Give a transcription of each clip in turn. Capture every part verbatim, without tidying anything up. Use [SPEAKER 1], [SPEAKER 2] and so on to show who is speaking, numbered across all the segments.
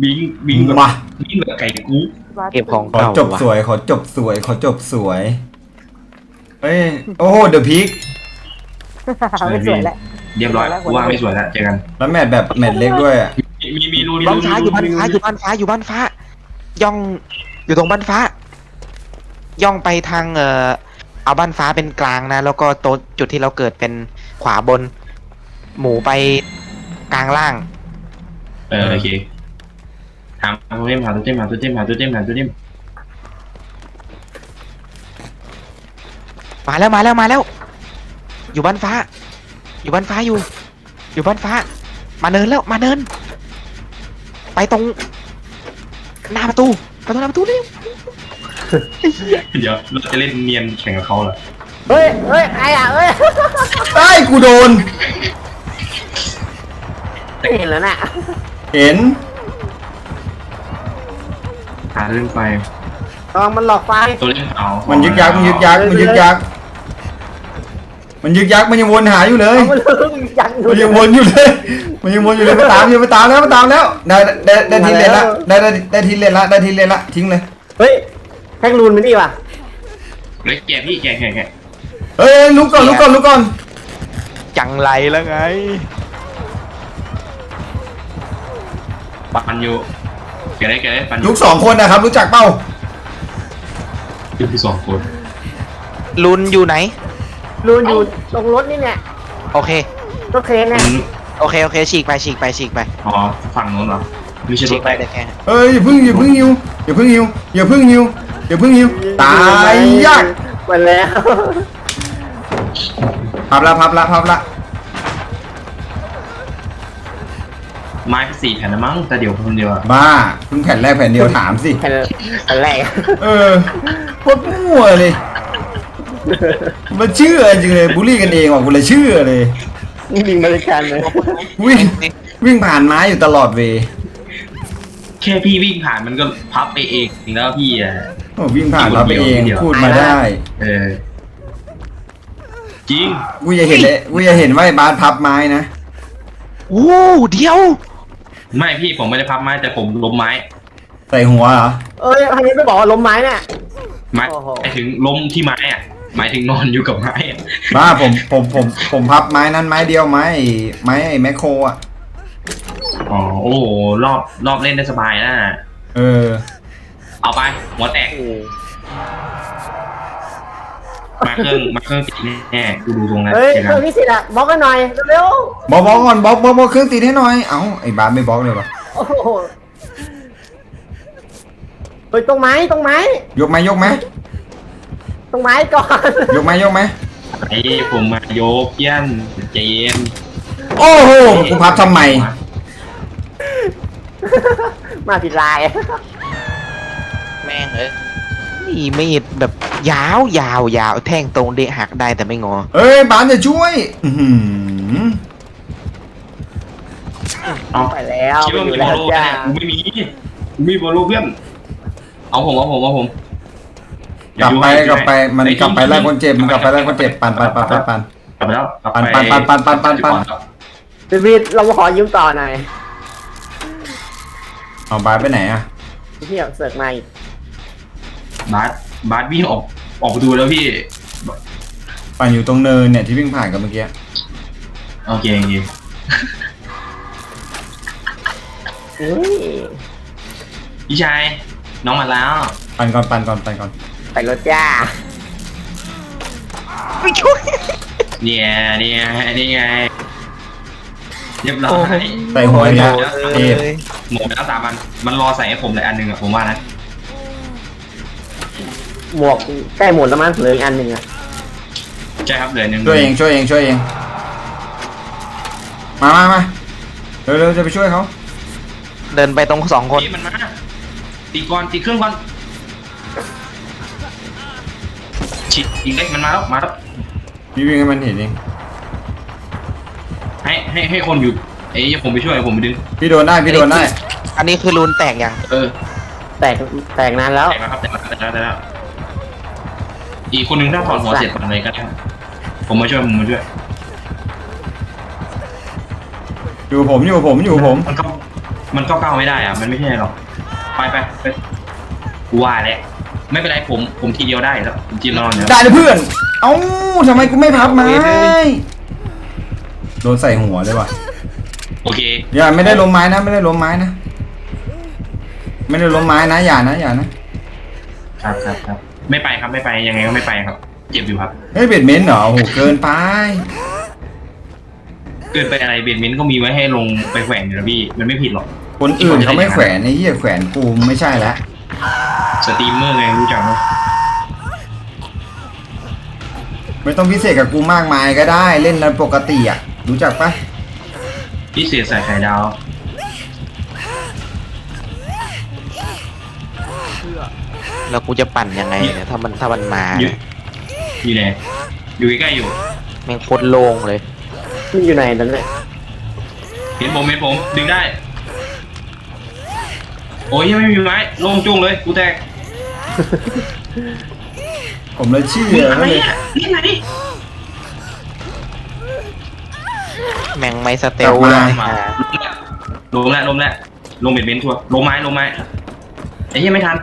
[SPEAKER 1] บิงบิงแบบ
[SPEAKER 2] มา
[SPEAKER 1] บิงแบบไก่กุ๊ก
[SPEAKER 3] เก็บของ
[SPEAKER 2] ขอ
[SPEAKER 3] เก่า
[SPEAKER 2] จบสวยขอจบสวยขอจบสวยเฮ้ยโอ้โหเดอะพีค
[SPEAKER 4] ไม่สวยแล้ว
[SPEAKER 1] เรียบร้อยกูว่าไม่สวยแล้วเจอกัน
[SPEAKER 2] แล้วแมตช์แบบแมตช์เล็กด้วยอะ
[SPEAKER 1] มีมีรูมี
[SPEAKER 3] บ้า
[SPEAKER 1] รู
[SPEAKER 3] นฟ้าอยู่บ้านฟ้าอยู่บ้านฟ้าอยู่บ้านฟ้า ย่องอยู่ตรงบ้านฟ้า ย่องไปทางเอ่อเอาบ้านฟ้าเป็นกลางนะ แล้วก็โต๊ะจุดที่เราเกิดเป็นขวาบน หมูไปกลางล่าง
[SPEAKER 1] เออโอเคถามตัวเต็มหาตัวเต็มหาตัวเต็มหาตัวเต็มหาตัวเต็ม
[SPEAKER 3] มาแล้วมาแล้วมาแล้ว อยู่บ้านฟ้า อยู่บ้านฟ้าอยู่ อยู่บ้านฟ้า มาเนินแล้วมาเนิน ไปตรงหน้าประตูไปตรงหน้าประตูเร็ว
[SPEAKER 1] เดี๋ยวเราจะเล่นเนียนแข่งกับเขาเหรอ
[SPEAKER 4] เฮ้ยเฮ้ยใครอ่ะเฮ้ย
[SPEAKER 2] ไอ้ยกูโดน
[SPEAKER 4] ไม่เห็นแล้วน่ะ
[SPEAKER 2] เห็น
[SPEAKER 1] หาเล่นไฟ
[SPEAKER 4] ลองมันหลอกไฟ
[SPEAKER 1] ตัวเล่นเอา
[SPEAKER 2] มันยึกยักมันยึกยักมันยึกยักมันยึกยักมันยังวนหาอยู่เลย
[SPEAKER 4] เอามันเริ่มยักษ์
[SPEAKER 2] มันยังวนอยู่เลย มันยังวนอยู่เลยมาตามอยู่มาตามแล้วมาตามแล้วได้ได้ได้ทีเลนละได้ได้ได้ทีเลนละได้ทีเลนละทิ้งเลย
[SPEAKER 4] เฮ้ยแท็กรูนมันดีว่ะ
[SPEAKER 1] เล็กแกพี่แกแกแก
[SPEAKER 2] เฮ้ยลุกก่อนลุกก่อนลุกก่อน
[SPEAKER 3] จังไรแล้วไง
[SPEAKER 1] ปันอยู่แกได้แกได้ปันอ
[SPEAKER 2] ลุ
[SPEAKER 1] ยู่
[SPEAKER 2] กสองคนนะครับรู้จักเป้า
[SPEAKER 1] คือคือสองคน
[SPEAKER 3] ลุนอยู่ไหน
[SPEAKER 4] รูนอยู่ตรงรถนี่เนี่ย
[SPEAKER 3] โอเค
[SPEAKER 4] รถเครนเนี่ย
[SPEAKER 1] อืม
[SPEAKER 3] โอเคโอเคฉีกไปฉีกไปฉีกไป
[SPEAKER 1] อ๋อฝั่งโน้นเหรอไม่ใช่ร
[SPEAKER 3] ฉี
[SPEAKER 1] ถ
[SPEAKER 3] ก
[SPEAKER 1] ไป
[SPEAKER 3] ไปเลยแค่
[SPEAKER 2] เอ้ยอย่าเพึ่งอย่าเพึ่งหิวอย่าเพึ่งหิวอย่าเพึ่งหิวอย่าเพึ่งหิวตายยาก
[SPEAKER 4] ไปแล้ว
[SPEAKER 2] พับละพับละพับละ
[SPEAKER 1] ไม้สี่แผ่นนะมั้งแต่เดี๋ยวคนเดียวอะ
[SPEAKER 2] บ้าเพิ่งแผ่นแรกแผ่นเดียวถามสิ
[SPEAKER 4] แผ่นแผ่นแรก
[SPEAKER 2] เออโคตรมั่วเลยมันเชื่อจริงเลยบูลลี่กันเองว่ะกูเลยเชื่อเลย
[SPEAKER 4] นี่ดิงบริการเลย
[SPEAKER 2] วิ่งวิ่งผ่านไม้อยู่ตลอดเวย์
[SPEAKER 1] แค่พี่วิ่งผ่านมันก็พับไปเองแล้วพี่อะ
[SPEAKER 2] โอ้วิ่งผ่านเราไปเองพูดมาได้
[SPEAKER 1] เออจริง
[SPEAKER 2] กูจะเห็นเลยกูจะเห็นว่าไอ้บาสพับไม้นะ
[SPEAKER 3] โอ้เดียว
[SPEAKER 1] ไม่พี่ผมไม่ได้พับไม้แต่ผมล้มไม้
[SPEAKER 2] ใส่หัวเหรอ
[SPEAKER 4] เอ้ยทางนี้ไม่บอกว่าล้มไม้เนี่ย
[SPEAKER 1] ไม้
[SPEAKER 4] โอ้โห
[SPEAKER 1] หมายถึงล้มที่ไม้อะหมายถึงนอนอยู่กับไม้อะ
[SPEAKER 2] บ้าผมผมผมผมพับไม้นั้นไม้เดียวไม้ไอ้ไม้ไอ้แมคโครอ่ะ
[SPEAKER 1] อ๋อโอ้โหรอบรอบเล่นได้สบายนะ
[SPEAKER 2] เออ
[SPEAKER 1] เอาไปหัวแตก
[SPEAKER 4] โอ้
[SPEAKER 1] มาเครื่องมาเครื่องติดแน่ๆกูดูตรงนั้น
[SPEAKER 4] เฮ้ย
[SPEAKER 1] เจอ
[SPEAKER 4] เค
[SPEAKER 1] กั
[SPEAKER 4] รื่อน งพิเศษอะบล็อกกันหน่อยเร็ว
[SPEAKER 2] บอกบอกก่อนบอกบอกบอกเครื่องตีให้หน่อยเอ้าไอ้บาสไม่บอกเลยวะ
[SPEAKER 4] ๆโอ้โหเฮ้ยตรงไม้ตรงไม้
[SPEAKER 2] ยกไหมยกไหม
[SPEAKER 4] ตรงไม้ก่อน
[SPEAKER 2] ยกไหมยกไหม
[SPEAKER 1] ไอ้ผมมาโยกเพี้ยนใจเย็น
[SPEAKER 2] โอ้โหกูพับทำไม
[SPEAKER 4] มาผิดลาย
[SPEAKER 3] แม่งเอ้ยนี่มีดแบบยาวยาวยาวแท่งตรงเดะหักได้แต่ไม่งอ
[SPEAKER 2] เอ้ยบาสจะช่วยอื้อหือ
[SPEAKER 1] เอา
[SPEAKER 4] ไปแล้ว
[SPEAKER 1] คิด
[SPEAKER 4] ไป
[SPEAKER 1] ว่า
[SPEAKER 4] อ
[SPEAKER 1] มี
[SPEAKER 4] ยู่
[SPEAKER 1] บอ
[SPEAKER 4] แล้
[SPEAKER 1] ล
[SPEAKER 4] ว
[SPEAKER 1] โล
[SPEAKER 4] จ้า
[SPEAKER 1] เนี่ยกูไม่มีกูมีบอลโลเพื่อนเอาผมเอาผมเอาผม
[SPEAKER 2] กลับไปกลับไปมันกลับไปไล่คนเจ็บมันกลับไปไล่คนเจ็บปันปันปันปันปัน
[SPEAKER 1] กลับไปแล้วกลับไป
[SPEAKER 2] ปันปันปันปันปันปัน
[SPEAKER 4] พี่วิทย์เรามาขอยืมต่อหน่อย
[SPEAKER 2] เอาบาสไปไหนอ่ะ
[SPEAKER 4] พี่อยากเสิร์ฟมาอีก
[SPEAKER 1] บาสบาสวิ่งออกออกประตูแล้วพี่
[SPEAKER 2] ปั่นอยู่ตรงเนินเนี่ยที่วิ่งผ่านกันเมื่อกี้
[SPEAKER 1] โอเคโอเค
[SPEAKER 4] อุ้ย
[SPEAKER 1] พี่ชายน้องมาแล้ว
[SPEAKER 2] ปั่นก่อนปั่นก่อนปั่นก่อน
[SPEAKER 4] ไปรถจ้า
[SPEAKER 3] ไม่ช่วย
[SPEAKER 1] เนี่ยเนี่ยนี่ไงเรียบร้อย
[SPEAKER 2] ใส่หัวเนี่ย
[SPEAKER 3] เอ
[SPEAKER 2] เจ็บ
[SPEAKER 3] อ
[SPEAKER 1] หมดแล้วสามอันมันรอใส่ให้ผมเลยอันหนึ่งอะผมว่านะ
[SPEAKER 4] หมวกใกล้หมดแล้วมั้งเหลืออีกอันหนึ่งอะ
[SPEAKER 1] ใช่ครับเหลือหนึ่ง
[SPEAKER 2] ช่วยเองช่วยเองช่วยเองมามามาเร็วเร็วจะไปช่วยเขา
[SPEAKER 3] เดินไปตรงสองคน
[SPEAKER 1] นี่มันมาตีก่อนตีเครื่องก่อนฉีดอีกเล็กมันมาแล้วมาแล้ว
[SPEAKER 2] พี่วิ่งให้มันเห็นเอง
[SPEAKER 1] ให้ให้ให้คนอยู่ไอ้ผมไปช่วยผมไปดึง
[SPEAKER 2] พี่โดนได้พี่โดนได้
[SPEAKER 3] อันนี้คือรูนแตกยัง
[SPEAKER 1] เออ
[SPEAKER 4] แตกแตกนานแล้ว
[SPEAKER 1] แต่แล้วครับแต่แล้วแต่แล้วแต่แล้วอีกคนนึงถ้าถอดหัวเสร็จปันเลยก็ได้ผมมาช่วยผมมาช่วย
[SPEAKER 2] อยู่ผมอยู่ผมอยู่ผม
[SPEAKER 1] มันก็มันก็เก้าไม่ได้อะมันไม่ใช่หรอกไปไปไปกูว่าแหละไม่เป็นไรผมผมทีเดียวได้แล้วผมจีนนอนเนี่ย
[SPEAKER 2] ได้เลยเพื่อน เอ้าทำไมกูไม่พับไม้โดนใส่หัวเลยว่ะ
[SPEAKER 1] โอเค
[SPEAKER 2] อย่าไม่ได้ล้มไม้นะ ไม่ได้ล้มไม้นะ ไม่ได้ล้มไม้นะอย่านะอย่านะครับ
[SPEAKER 1] ครับครับไม่ไปครับไม่ไปยังไงก็ไม่ไปครับ เจ็บอยู่ครับ
[SPEAKER 2] เฮ้ยเบ็ดเม้นเหรอโอ้โหเกินไป
[SPEAKER 1] เกินไปอะไรเบนเมนต์ก็มีไว้ให้ลงไปแขวนอยู่นะพี่มันไม่ผิดหรอก
[SPEAKER 2] คนอื่นเขาไม่แขวนไอ้เหี้ยแขวนกูไม่ใช่แล้ว
[SPEAKER 1] สตรีมเมอร์ไงรู้จักไหม
[SPEAKER 2] ไม่ต้องพิเศษกับกูมากมายก็ได้เล่นในปกติอ่ะรู้จักปะ
[SPEAKER 1] พี่เสียใส่ไข่ดาว
[SPEAKER 3] แล้วกูจะปั่นยังไงเนี่ยถ้ามันถ้ามันมา
[SPEAKER 1] อยู่อยู่ไหนอยู่ใกล้ๆอยู่
[SPEAKER 3] แม่งโคตรโล่งเลย
[SPEAKER 4] มันอยู่ไหนนั่นเลย
[SPEAKER 1] เห็นผมเห็นผมดึงได้ โอ้ยยังไม่มีไม้โล่งจุ้งเลยกูแตก
[SPEAKER 2] ผมเลยเชื่
[SPEAKER 1] มึง
[SPEAKER 2] อ
[SPEAKER 1] อะไร
[SPEAKER 2] เลย
[SPEAKER 1] อ่ะนี่ไง
[SPEAKER 3] แม่งไม่สเตล
[SPEAKER 2] กลับ
[SPEAKER 3] เล
[SPEAKER 2] มา
[SPEAKER 3] ย
[SPEAKER 1] มา
[SPEAKER 3] อ่า
[SPEAKER 1] ลงแล้วลงแล้วลงเบ็ดเบนทัวร์ลงไม้ลงไม้ไอ้เหี้ยไม่ทัน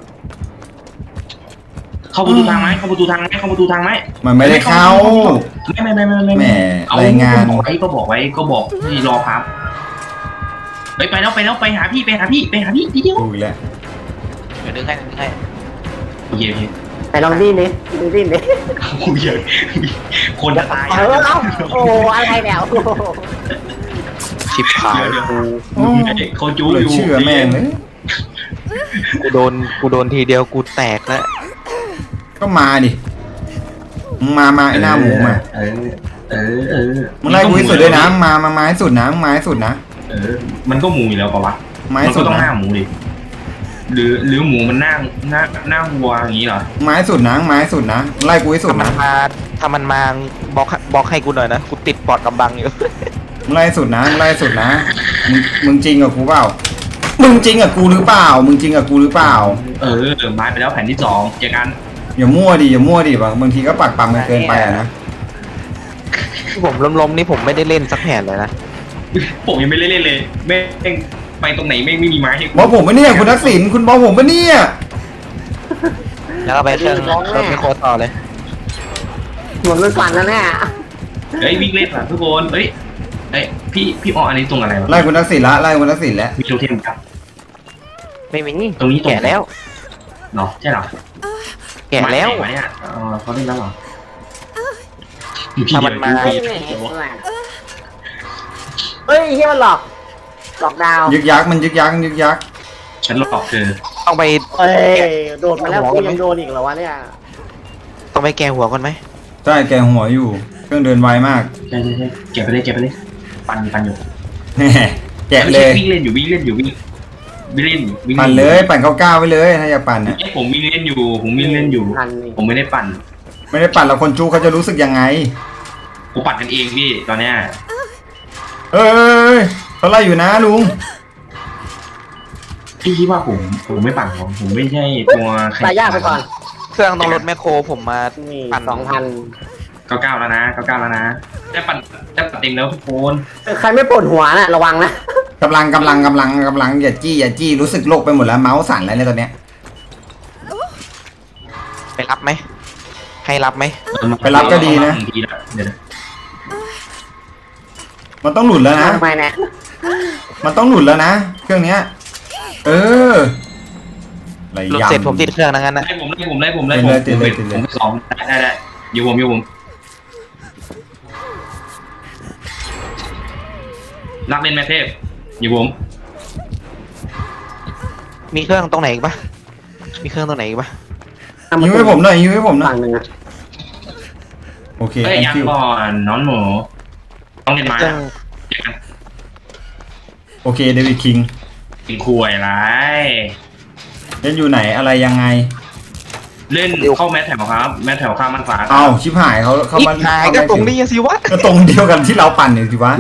[SPEAKER 1] เข้าประตูทางไหมเข้าประตูทางไหมเข้าประตูทางไหม
[SPEAKER 2] มันไม่ได้เข้า
[SPEAKER 1] ไม่ไม่ไม่ไม่ไม่
[SPEAKER 2] แหม
[SPEAKER 1] เอา
[SPEAKER 2] รายงาน
[SPEAKER 1] ก็บอกไว้ก็บอกไว้ก็บอกให้รอครับไปไปแล้วไปแล้วไปหาพี่ไปหาพี่ไปหาพี่ทีเดียว
[SPEAKER 2] ดูอีกแล้ว
[SPEAKER 3] เดี๋ยวดึงให้ดึงให้
[SPEAKER 1] โอเคโอเค
[SPEAKER 4] ไหนลองดิ้นดิดูดิ้นดิ
[SPEAKER 1] โอ้ยคนจะตาย
[SPEAKER 4] เออเอาโอ้อะไรเนี่ยโอ้
[SPEAKER 3] ชิบหาย
[SPEAKER 1] เดี๋ยวเดี๋ยว
[SPEAKER 3] กู
[SPEAKER 2] โอ้
[SPEAKER 1] เขาจู้
[SPEAKER 2] เลย
[SPEAKER 1] อยู่
[SPEAKER 2] เชื่อแม่งเลย
[SPEAKER 3] กูโดนกูโดนทีเดียวกูแตกแล้ว
[SPEAKER 2] ก็มาดิมึงมามาไอ้หน้าหมูมา
[SPEAKER 1] เออเออเออ
[SPEAKER 2] มึงไล่กูให้สุดด้วยนะมึงมามาไม้สุดนะมึงมาให้สุดนะ
[SPEAKER 1] เออมันก็หมูอยู่แล้วปะวะ
[SPEAKER 2] ไม้
[SPEAKER 1] มัน
[SPEAKER 2] สุ
[SPEAKER 1] ก็
[SPEAKER 2] ด
[SPEAKER 1] ต้องห
[SPEAKER 2] นะ
[SPEAKER 1] น้าหมูดิหรือหรือหมูมันหน้าหน้าหน้าวัวอย่างนี้เหรอ
[SPEAKER 2] ไม้สุดนะไม้สุดนะมึงไล่กูให้สุด
[SPEAKER 3] ถ้ามัน
[SPEAKER 2] นะ
[SPEAKER 3] มาถ้ามันมาบล็อกบล็อกให้กูหน่อยนะกูติดปอดกำบังอยู่
[SPEAKER 2] มึงไล่สุดนะมึงไล่สุดนะมึงมึงจริงกับกูเปล่ามึงจริงกับกูหรือเปล่า มึงจริงกับกูหรือเปล่า
[SPEAKER 1] เออเออไม้ไปแล้วแผ่นที่สองเจอกัน
[SPEAKER 2] อย่ามั่วดิอย่ามั่วดิบางบางทีก็ปักปั๊มกันเกินไปอะนะ
[SPEAKER 3] ที่ผมล้มๆนี่ผมไม่ได้เล่นสักแผ่นเลยนะ
[SPEAKER 1] ผมยังไม่ได้เล่นเลยแม่งไปตรงไหนแม่งไม่มีไม้ให้กู
[SPEAKER 2] บอกผมปะเนี่ยคุณทักษิณคุณบอกผมปะเนี่ย
[SPEAKER 3] แล้วก็ไปเครื่องเครื่องไมโครต่อเลย
[SPEAKER 4] หมดมันปั่นแล้วเนี่ย
[SPEAKER 1] เฮ้ยวิ่งเล่นอ่ะทุกคนเฮ้ยเอ้ยพี่พี่อออันนี้ตรงอะไรวะ
[SPEAKER 2] ไล่คุณทักษิณละไล่คุณทักษิณแล้ว
[SPEAKER 1] มีโทเทมครับ
[SPEAKER 3] ไม่มี
[SPEAKER 1] ตรงนี้ตรง
[SPEAKER 3] แก่แล้ว
[SPEAKER 1] เนาะใช่เหรอ
[SPEAKER 3] แก่แล้ว
[SPEAKER 1] ไม้ไหนเนี่ยเออเขาเล่นแล้วเหรอ
[SPEAKER 3] ถ้ามันมา
[SPEAKER 1] พี่
[SPEAKER 4] เฮ้ย
[SPEAKER 1] เดียว
[SPEAKER 4] เฮ้ยเฮียมันหลอกหลอกดาว
[SPEAKER 2] ยึกยักมันยึกยักยึกยัก
[SPEAKER 1] ฉันหลอกเธอ
[SPEAKER 3] ต้องไป
[SPEAKER 4] เฮ้ยโดดมาแล้วกูยังโดนอีกเหรอวะเนี่ย
[SPEAKER 3] ต้องไปแกหัวก่อนไหม
[SPEAKER 2] ใช่แกหัวอยู่ เครื่องเดินไวมาก
[SPEAKER 1] ใช่ใช่ใช่เก็บไปเลยเก็บไปเลยปั่นปันอยู่
[SPEAKER 2] แหม่แกะเลย
[SPEAKER 1] วิ่งเล่นอยู่วิ่งเล่นอยู่วิ่งวิ่งเล่นวิ่ง
[SPEAKER 2] ปั่นเลย ปั่นเก้าเก้าไว้เลยถ้าอยากปั่นนะ
[SPEAKER 1] เอ้ยผมวิ่งเล่นอยู่ผมวิ่งเล่นอยู่
[SPEAKER 4] พันนี่
[SPEAKER 1] ผมไม่ได้ปั่น
[SPEAKER 2] ไม่ได้ปั่นแล้วคนจูเขาจะรู้สึกยังไง
[SPEAKER 1] ผมปั่นกันเองพี่ตอนเนี้ย
[SPEAKER 2] เอ้ยเขาไล่อยู่นะลุง
[SPEAKER 1] พี่คิดว่าผมผมไม่ปั่นผมผมไม่ใช่ตัวแข่ง
[SPEAKER 4] ตายยากไปก่อน
[SPEAKER 3] เครื่องต้องรถแมคโครผมมา
[SPEAKER 4] นี่
[SPEAKER 3] ปั่น
[SPEAKER 4] สองพัน
[SPEAKER 1] เก้าเก้าแล้วนะเก้าเก้าแล้วนะได้ปั่นได้ปั่นเต็มแล้วทุกคน
[SPEAKER 4] ใครไม่ปวดหัวน่ะระวังนะ
[SPEAKER 2] กำลังกำลังกำลังกำลังอย่าจี้อย่าจี้รู้สึกโลกไปหมดแล้วเมาส์สั่นแล้วเนี่ยตอนเนี้ย
[SPEAKER 3] ไปรับไหมให้รับไหม
[SPEAKER 2] ไปรับก็ดีนะ
[SPEAKER 1] ดีแล้วเดี๋ยวนะ
[SPEAKER 2] มันต้องหลุดแล้วนะ
[SPEAKER 4] ทำไมเนี่ย
[SPEAKER 2] มันต้องหลุดแล้วนะ เครื่องเนี้ย เอออะไร
[SPEAKER 3] หลุด
[SPEAKER 2] ยำ
[SPEAKER 3] เสร็จผมติดเครื่องนะงั้นนะ
[SPEAKER 1] ไล่ผมไล่ผมไล่ผมไล่ผม
[SPEAKER 2] ติดเลยติดเลยติดเลย
[SPEAKER 1] ผมไปสองได้ได้ได้อยู่ผมอยู่ผมรักเล่นแม่เทพอยู่ผม
[SPEAKER 3] มีเครื่องตรงไหนอีกปะมีเครื่องตรงไหนอีกปะ
[SPEAKER 2] ยิ้มให้ผมหน่อยยิ้มให้ผมหน่อย
[SPEAKER 4] ฝั่งหนึ่งอะ
[SPEAKER 2] โอเค
[SPEAKER 1] เอ้ย
[SPEAKER 2] thank
[SPEAKER 1] ยัง
[SPEAKER 2] you
[SPEAKER 1] ก่อนน้องหมูต้องเล่นไม้
[SPEAKER 3] เครื่อง
[SPEAKER 1] เจอกัน
[SPEAKER 2] โอเคเดวิดคิง
[SPEAKER 1] กินคุยไร
[SPEAKER 2] เล่นอยู่ไหนอะไรยังไง
[SPEAKER 1] เล่นเข้าแมทแถวครับ แมทแถวข้ามมันฟ้า
[SPEAKER 2] เอาชิบหายเขาเขา
[SPEAKER 3] อีก
[SPEAKER 2] มา
[SPEAKER 3] หาย
[SPEAKER 2] เข้า
[SPEAKER 3] ก็
[SPEAKER 2] ไม่
[SPEAKER 3] ตรง
[SPEAKER 2] ถึ
[SPEAKER 3] นี้สิวะ
[SPEAKER 2] ก็ตรงเดียวกันที่เราปั่นเนี่ยสิวะ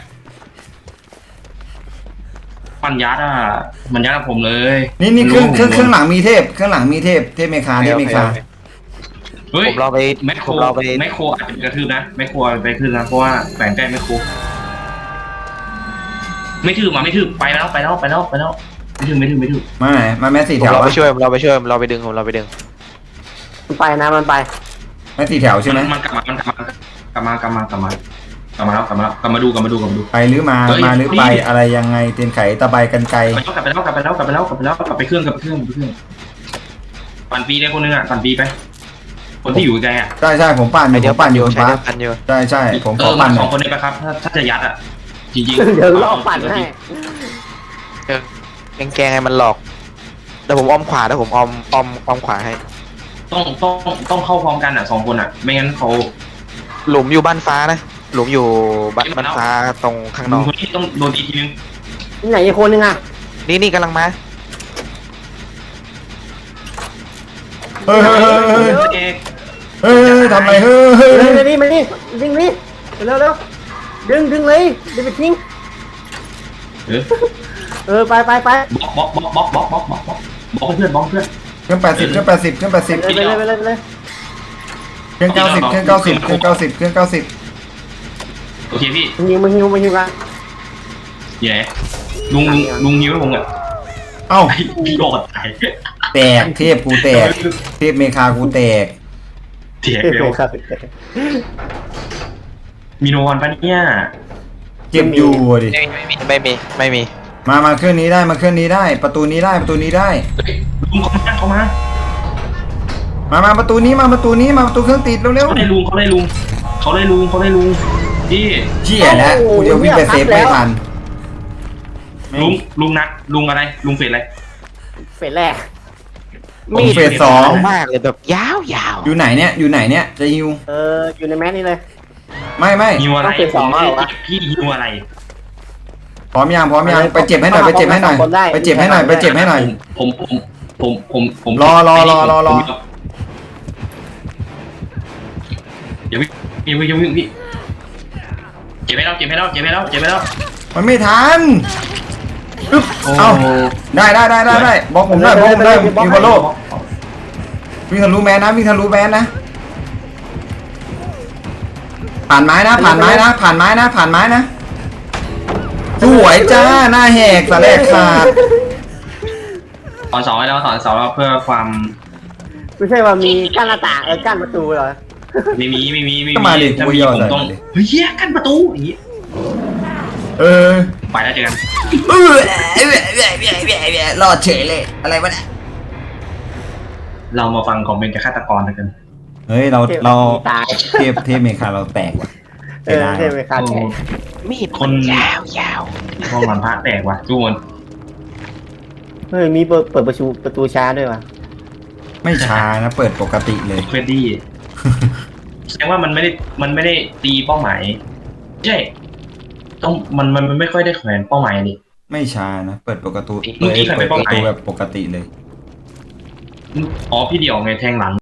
[SPEAKER 1] ปัญญาอ่ะมันยัดกับผมเลย
[SPEAKER 2] นี่นี่เครื่องเครื่องเครื่องหลังมีเทพเครื่องหลังมีเทพเทพเมคาเทพเมคา
[SPEAKER 1] เฮ้ย
[SPEAKER 3] ผมรอไป
[SPEAKER 1] แมคโค
[SPEAKER 3] ผ
[SPEAKER 1] ร
[SPEAKER 3] มรอไป
[SPEAKER 1] แมคโครอาจจะกระทืบนะแมคโครไปขึ้นนะเพราะว่าแฝงใกล้แมคโครไม่ถือมาไม่ถือไปแล้วไปแล้วไปแล้วไปแล้วไม่ถือไม่ถือไม่ถือ
[SPEAKER 2] มาไหนมาแม่สี่
[SPEAKER 3] ผ
[SPEAKER 2] แถ
[SPEAKER 3] ม
[SPEAKER 2] ว
[SPEAKER 3] เราไป
[SPEAKER 2] ปะ
[SPEAKER 3] ช่วยผมเราไปช่วยผมเราไปดึงผมเราไปดึง
[SPEAKER 4] มันไปนะมันไป
[SPEAKER 2] แม่สี่แถวใช่ไหม
[SPEAKER 1] มันกลับมามันกลับมากลับมากลับมากลับมากลับมาแล้วกลับมาแล้วกลับมาดูกลับมาดูกลับมาดู
[SPEAKER 2] ไปหรือมา
[SPEAKER 1] เฮ้ย
[SPEAKER 2] มาหรือไป
[SPEAKER 1] นี่
[SPEAKER 2] อะไรยังไงเตียนไขตะไบกันไกล
[SPEAKER 1] ไปแล้วกลับไปแล้วกลับไปแล้วกลับไปแล้วกลับไปแล้วกลับไปเครื่องกลับไปเครื่องกลับไปเครื่องปั่นปีได้คนนึงอ่ะปั่นปีไป คนที่อยู่ไกลอ่ะ
[SPEAKER 2] ใช่ใช่ผมปั่นอ
[SPEAKER 3] ไอยู่
[SPEAKER 2] ผ
[SPEAKER 3] เดียว
[SPEAKER 2] มปั่นอยู่
[SPEAKER 3] ใช้
[SPEAKER 2] ฟ้า
[SPEAKER 3] เดียวกันอยู่
[SPEAKER 2] ใช่ใช่ผม
[SPEAKER 1] เอ
[SPEAKER 2] ขอ
[SPEAKER 1] อ
[SPEAKER 2] ปั่นห
[SPEAKER 1] ส
[SPEAKER 2] น่
[SPEAKER 1] อ
[SPEAKER 2] อง ย
[SPEAKER 1] คนนี้ไปครับถ้าถ้าจะยัดอ่ะจริง
[SPEAKER 4] เดี๋ยวรอปั่นให้
[SPEAKER 3] แกงแกงไงมันหลอกเดี๋ยวผมอ้อมขวาเดี๋ยวผมอ้อมอ้อมอ้อมขวาให้
[SPEAKER 1] ต้องต้องต้องเข้าพร้อมกันอ่ะสองคนอ่ะ ไม่งั้นเขา
[SPEAKER 3] หลุมอยู่บ้านฟ้านะหลุมอยู่บ้านบ้านฟ้าตรงข้างนอก
[SPEAKER 1] คนที่ต้องโดนตีทีนึง
[SPEAKER 4] ที่ไหนอีกคนนึงอ่ะ
[SPEAKER 3] นี่นี่กำลังมา
[SPEAKER 2] เฮ้ยเฮ้ยเฮ้ยเฮ้ย
[SPEAKER 1] เอก
[SPEAKER 2] เฮ้ยทำอะไรเฮ้ยเฮ้ย
[SPEAKER 4] เร็
[SPEAKER 2] เฮ้
[SPEAKER 4] วย เร็วนี่มานี่ดึงนี่เร็วเร็วดึงดึงเลยดึงไปทิ้ง
[SPEAKER 1] เออ
[SPEAKER 4] เออไปไปไป
[SPEAKER 1] บล็อกบล็อกบล็อกบล็อกบล็อกบล็อกบล็อกบล็อกเพื่อนบล็อกเพื่อน
[SPEAKER 2] เครื่องแปดสิบเครื่องแปดสิบเครื่องแปดสิบ
[SPEAKER 4] ไปเลยไปเลยไปเลย
[SPEAKER 2] เครื่องเก้าสิบเครื่องเก้าสิบเครื่องเก้าสิบเครื่องเก้าสิบ
[SPEAKER 1] โอเคพี่
[SPEAKER 4] มึงยิงมึงยิงมึงยิงกัน
[SPEAKER 1] อยู่ไหนลุงลุงลุงนิ้วให้ผมอ่ะ
[SPEAKER 2] เอ้า
[SPEAKER 1] ไอ้พี่โดดตาย
[SPEAKER 2] แตกเทพกูแตกเทพเมคากูแตก
[SPEAKER 1] เถียงเร็ว
[SPEAKER 4] ครับ
[SPEAKER 1] มีโนวันปะเนี่ย
[SPEAKER 2] เจ็บอยู่ดิ
[SPEAKER 3] ไม่มีไม่มีไม่มี
[SPEAKER 2] มามาเครื่องนี้ได้มาเครื่องนี้ได้ ประตูนี้ได้ประตูนี้ได้
[SPEAKER 1] ลุงเขามาเขามา
[SPEAKER 2] มามาประตูนี้มาประตูนี้มาประตูเครื่องติดเร็ว
[SPEAKER 1] เขาได้ลุงเขาได้ลุงเขาได้ลุงเขาได้ลุงพี่
[SPEAKER 2] ๆเชี่ยแล้วกูจะวิ่งไปเซฟไม่ทัน
[SPEAKER 1] ลุงลุงนัดลุงอะไรลุงเฟดอะไร
[SPEAKER 4] เฟสแรก
[SPEAKER 2] ผมเฟสสอง
[SPEAKER 3] มากเลยแบบยาวยาว
[SPEAKER 2] อยู่ไหนเนี่ยอยู่ไหนเนี่ยจะฮิว
[SPEAKER 4] เอออยู่ในแมสนี่เลย
[SPEAKER 2] ไม่ไม่
[SPEAKER 1] ฮิวอะไร
[SPEAKER 4] ต้องเฟสสองแล้วเหรอวะ
[SPEAKER 1] พี่ฮิวอะไร
[SPEAKER 2] พร้อมยังพร้อมยังไปเจ็บให้หน่อยไปเจ็บให้หน่อยไปเจ็บให้หน่อยไปเจ็บให้หน่อย
[SPEAKER 1] ผมผมผมผมผม
[SPEAKER 2] รอรอรอรอรอ
[SPEAKER 1] อย่าวิ่งอย่าวิ่งอย่าวิ่งพี่เจ็บไหมแล้วเจ็บไหมแล้วเจ็บไหมแล้วเจ็บไหมแล้ว
[SPEAKER 2] มันไม่ทันอึ๊บ
[SPEAKER 1] โอ้
[SPEAKER 2] เอาได้ได้ได้ได้ได้บอกผมได้บอกผมได้มีบอลโลวิ่งทะลุแมนนะวิ่งทะลุแมนนะผ่านไม้นะผ่านไม้นะผ่านไม้นะผ่านไม้นะสวยจ้าหน้าแหกสะแลกขาด
[SPEAKER 1] ตอนสองให้แล้วตอนสองแล้วเพื่อความ
[SPEAKER 4] ไม่ใช่ว่ามีกั้นหน้าต่างเออกั้นประตูเหรอ
[SPEAKER 1] ไม่มีไม่มีไม่
[SPEAKER 2] ก็
[SPEAKER 1] มี
[SPEAKER 2] มาดิ
[SPEAKER 1] ถ้า
[SPEAKER 2] กู
[SPEAKER 1] มี
[SPEAKER 2] ย่อ
[SPEAKER 1] ผม
[SPEAKER 2] ใส่
[SPEAKER 1] ต้อง
[SPEAKER 2] มาดิ
[SPEAKER 1] เฮ้ยแยกกันประตูอย่างงี้
[SPEAKER 2] เออ
[SPEAKER 1] ไปแล้วเจอกัน
[SPEAKER 2] เออรอดเฉยเลยอะไรวะเนี่ย
[SPEAKER 1] เรามาฟังคอมเมนต์จากฆาตกรกัน
[SPEAKER 2] เฮ้ยเราเรา
[SPEAKER 4] ตาย
[SPEAKER 2] เทพเทพเมคาเราแตกว่ะ
[SPEAKER 4] เออใช่ไหมครับ
[SPEAKER 3] มีด
[SPEAKER 1] คน
[SPEAKER 3] ยาวยาว
[SPEAKER 1] ห้องมันพระแตกว่ะทุกคน
[SPEAKER 4] เฮ้ยมีเปิดเปิดประตูประตูช้าด้วยวะ
[SPEAKER 2] ไม่ช้านะเปิดปกติเลย
[SPEAKER 1] เควดดี้แสดงว่ามันไม่ได้มันไม่ได้ตีเป้าหมายใช่ต้องมันมันมันไม่ค่อยได้แขวนเป้าหมายนี่
[SPEAKER 2] ไม่ช้านะเปิดปกติ
[SPEAKER 1] เมื่อกี้ใคร
[SPEAKER 2] เปิ
[SPEAKER 1] ไป
[SPEAKER 2] ด
[SPEAKER 1] เป้า
[SPEAKER 2] ป
[SPEAKER 1] ห
[SPEAKER 2] ระ
[SPEAKER 1] มาย
[SPEAKER 2] ตูแบบปกติเลย
[SPEAKER 1] อ๋อพี่เดี่ยวไงแทงหลัง